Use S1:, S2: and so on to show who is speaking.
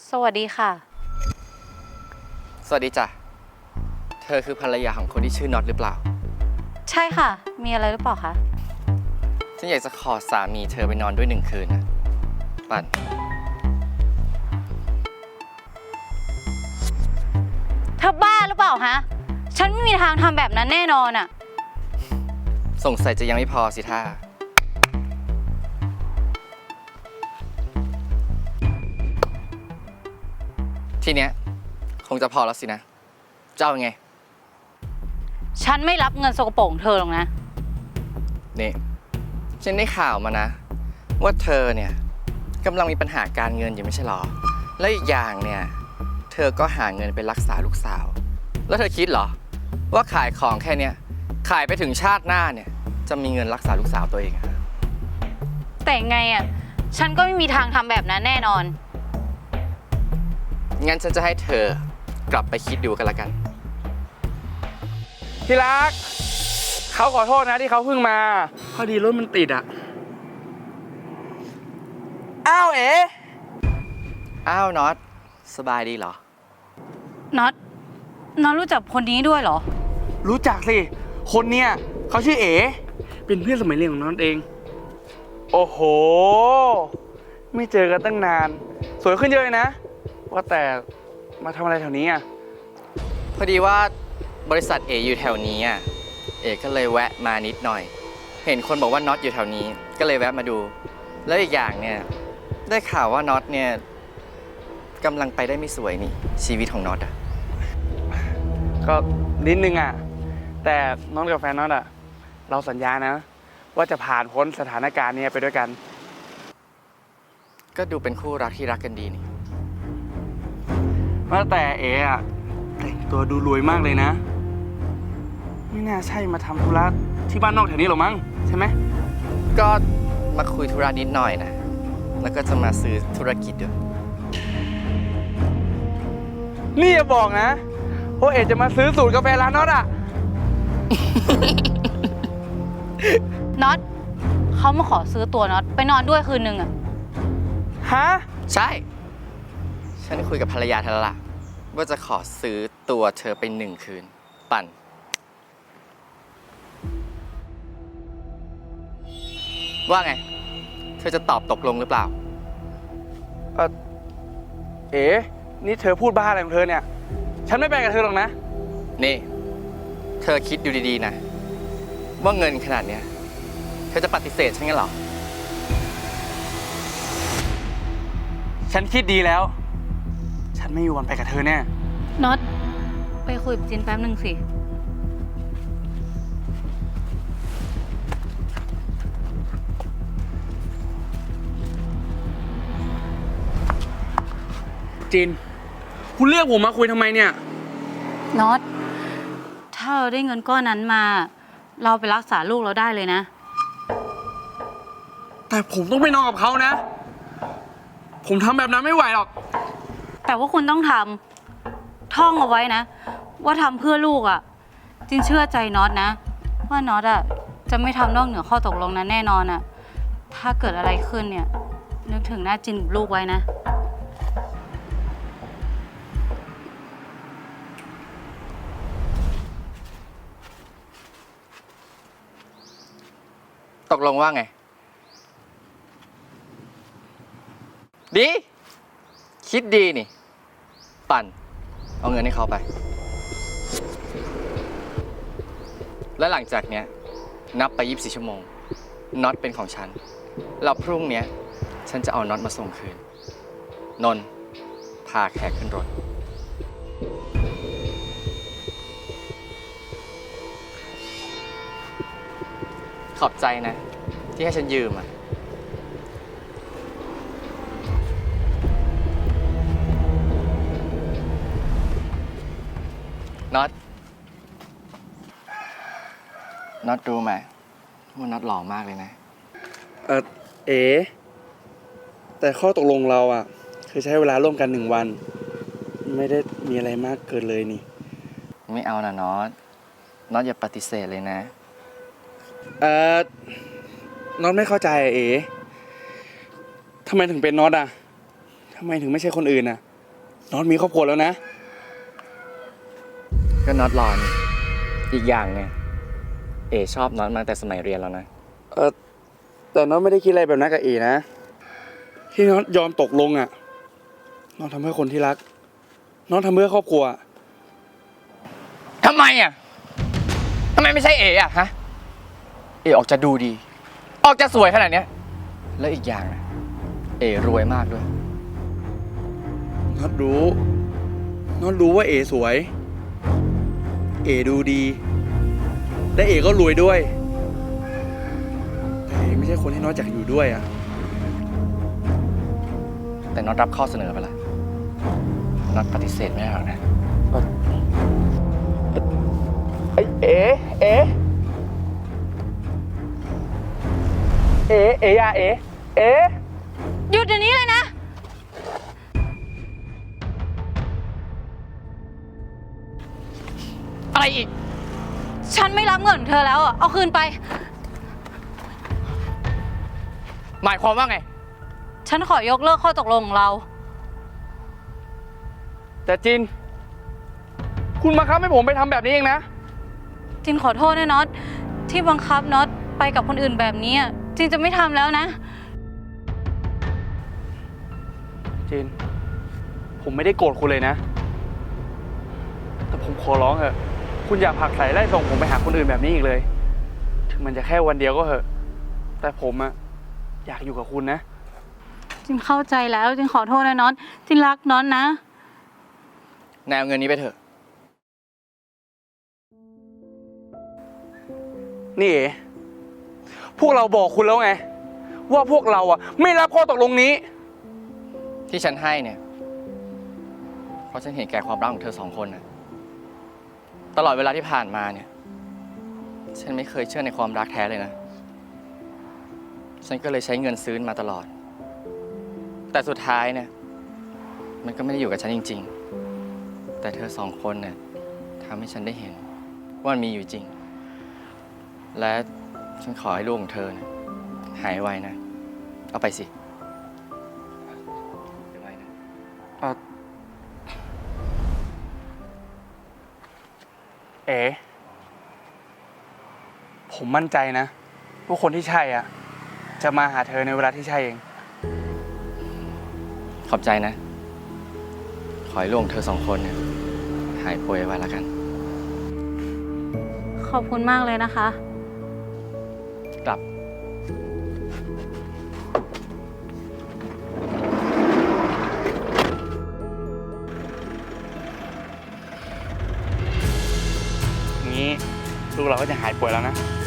S1: สวัสดีค่ะ
S2: สวัสดีจ้ะเธอคือภรรยาของคนที่ชื่อน็อตหรือเปล่า
S1: ใช่ค่ะมีอะไรหรือเปล่าคะ
S2: ฉันอยากจะขอสามีเธอไปนอนด้วย1 คืนนะปั่น
S1: เธอบ้าหรือเปล่าฮะฉันไม่มีทางทำแบบนั้นแน่นอนอะ
S2: สงสัยจะยังไม่พอสิท่าทีเนี้ยคงจะพอแล้วสินะเจ้าไง
S1: ฉันไม่รับเงินสกปรกของเธอหรอกนะ
S2: นี่ฉันได้ข่าวมานะว่าเธอเนี่ยกำลังมีปัญหาการเงินอยู่ไม่ใช่หรอและอีกอย่างเนี่ยเธอก็หาเงินไปรักษาลูกสาวแล้วเธอคิดเหรอว่าขายของแค่เนี้ยขายไปถึงชาติหน้าเนี่ยจะมีเงินรักษาลูกสาวตัวเอง
S1: แต่ไงอะฉันก็ไม่มีทางทำแบบนั้นแน่นอน
S2: งั้นฉันจะให้เธอกลับไปคิดดูกันละกัน
S3: ที่รักเขาขอโทษนะที่เขาเพิ่งมาพอดีรถมันติดอ่ะอ้าวเอ๋
S2: อ้าวน็อตสบายดีเหรอ
S1: น็อตรู้จักคนนี้ด้วยเหรอ
S3: รู้จักสิคนเนี้ยเขาชื่อเอ๋เป็นเพื่อนสมัยเรียนของน้องเองโอ้โหไม่เจอกันตั้งนานสวยขึ้นเยอะเลยนะว่าแต่มาทำอะไรแถวนี้อ่ะ
S2: พอดีว่าบริษัทเออยู่แถวนี้อ่ะเอก็เลยแวะมานิดหน่อยเห็นคนบอกว่าน็อตอยู่แถวนี้ก็เลยแวะมาดูแล้วอีกอย่างเนี่ยได้ข่าวว่าน็อตเนี่ยกำลังไปได้ไม่สวยนี่ชีวิตของน็อตอ่ะ
S3: ก็นิดนึงอ่ะแต่น้องกับแฟนน้องอ่ะเราสัญญานะว่าจะผ่านพ้นสถานการณ์นี้ไปด้วยกัน
S2: ก็ดูเป็นคู่รักที่รักกันดีนี่
S3: ว่าแต่เอ๋อะแต่งตัวดูรวยมากเลยนะไม่น่าใช่มาทำธุระที่บ้านนอกแถวนี้หรอมั้งใช่ไหม
S2: ก็มาคุยธุระนิดหน่อยนะแล้วก็จะมาซื้อธุรกิจด้วย
S3: นี่อย่าบอกนะว่าเอ๋จะมาซื้อสูตรกาแฟร้านน็อตอ่ะ
S1: น็อตเขามาขอซื้อตัวน็อตไปนอนด้วยคืนนึงอะ
S3: ฮะ
S2: ใช่ฉันคุยกับภรรยาเธอแล้วล่ะว่าจะขอซื้อตัวเธอไป1 คืนปั่นว่าไงเธอจะตอบตกลงหรือเปล่า
S3: เอ๋นี่เธอพูดบ้าอะไรของเธอเนี่ยฉันไม่ไปกับเธอหรอกนะ
S2: นี่เธอคิดดูดีๆนะว่าเงินขนาดเนี้ยเธอจะปฏิเสธฉันงั้นเหรอ
S3: ฉันคิดดีแล้วฉันไม่มีวันไปกับเธอแน่
S1: น็อตไปคุยกับจินแป๊บนึงสิ
S3: จินคุณเรียกผมมาคุยทำไมเนี่ย
S1: น็อตถ้าเราได้เงินก้อนนั้นมาเราไปรักษาลูกเราได้เลยนะ
S3: แต่ผมต้องไปนอนกับเขานะผมทำแบบนั้นไม่ไหวหรอก
S1: แต่ว่าคุณต้องทำท่องเอาไว้นะว่าทำเพื่อลูกอ่ะจินเชื่อใจน็อตนะว่าน็อตอ่ะจะไม่ทำนอกเหนือข้อตกลงนั้นแน่นอนอ่ะถ้าเกิดอะไรขึ้นเนี่ยนึกถึงหน้าจินกับลูกไว้นะ
S2: ตกลงว่าไงดีคิดดีนี่ปั่นเอาเงินให้เขาไปและหลังจากเนี้ยนับไป24 ชั่วโมงน็อตเป็นของฉันแล้วพรุ่งเนี้ยฉันจะเอาน็อตมาส่งคืนนนท์พาแขกขึ้นรถขอบใจนะที่ให้ฉันยืมอ่ะน็อตรู้ไหมว่าน็อตหล่อมากเลยนะ
S3: เอ๋แต่ข้อตกลงเราอ่ะคือใช้เวลาร่วมกัน1 วันไม่ได้มีอะไรมากเกินเลยนี่
S2: ไม่เอานะน็อตอย่าปฏิเสธเลยนะ
S3: น็อตไม่เข้าใจเอ๋ทำไมถึงเป็นน็อตอ่ะทำไมถึงไม่ใช่คนอื่นอ่ะน็อตมีครอบครัวแล้วนะ
S2: ก็น็อตรอนอีกอย่างเนี่ยเอชอบน็อตมาแต่สมัยเรียนแล้วนะ
S3: แต่น็อตไม่ได้คิดอะไรแบบนั้นกับเอนะ ที่น็อตยอมตกลงอ่ะน็อตทำเพื่อคนที่รักน็อตทำเพื่อครอบครัว
S2: ทำไมอ่ะ ทำไมไม่ใช่เอ๋อ่ะฮะ เอ๋ออกจะดูดี ออกจะสวยขนาดเนี้ย แล้วอีกอย่างนะเอ๋รวยมากด้วย
S3: น็อตรู้ว่าเอสวย เอดูดี และเอก็รวยด้วย แต่เอไม่ใช่คนที่น็อตอยากอยู่ด้วยอ่ะ
S2: แต่น็อตรับข้อเสนอไปละน็อตปฏิเสธไม่ได้หรอกนะ
S3: เอ๋อย่าเอ๋
S1: หยุดเดี๋ยวนี้เลยนะ
S2: อะไรอีก
S1: ฉันไม่รับเงินเธอแล้วอ่ะ เอาคืนไป
S2: หมายความว่าไง
S1: ฉันขอยกเลิกข้อตกลงของเรา
S3: แต่จิน คุณบังคับให้ผมไปทำแบบนี้เองนะ
S1: จินขอโทษนะน็อตที่บังคับน็อตไปกับคนอื่นแบบนี้อะจินจะไม่ทำแล้วนะ
S3: จิน ผมไม่ได้โกรธคุณเลยนะ แต่ผมขอร้องเถอะ คุณอย่าผลักใส่ไล่ส่งผมไปหาคนอื่นแบบนี้อีกเลย ถึงมันจะแค่วันเดียวก็เถอะ แต่ผมอะอยากอยู่กับคุณนะ
S1: จินเข้าใจแล้วจินขอโทษนะน็อตจินรักน็อตนะ
S2: นายเอาเงินนี้ไปเถอะ
S3: นี่เอ๋พวกเราบอกคุณแล้วไง ว่าพวกเราอะไม่รับข้อตกลงนี้
S2: ที่ฉันให้เนี่ย เพราะฉันเห็นแก่ความรักของเธอสองคนนะตลอดเวลาที่ผ่านมาเนี่ย ฉันไม่เคยเชื่อในความรักแท้เลยนะ ฉันก็เลยใช้เงินซื้อมาตลอด แต่สุดท้ายเนี่ย มันก็ไม่ได้อยู่กับฉันจริงๆ แต่เธอสองคนเนี่ยทำให้ฉันได้เห็นว่ามันมีอยู่จริง และฉันขอให้ลูกของเธอเนี่ยหายไวนะ เอาไปสิไวนะ
S3: เอ๋ผมมั่นใจนะว่าคนที่ใช่อ่ะ จะมาหาเธอในเวลาที่ใช่เอง
S2: ขอบใจนะ ขอให้ลูกของเธอสองคนเนี่ยหายป่วยไวแล้วกัน
S1: ขอบคุณมากเลยนะคะ
S2: กลับ
S3: งี้ลูกเราก็จะหายป่วยแล้วนะ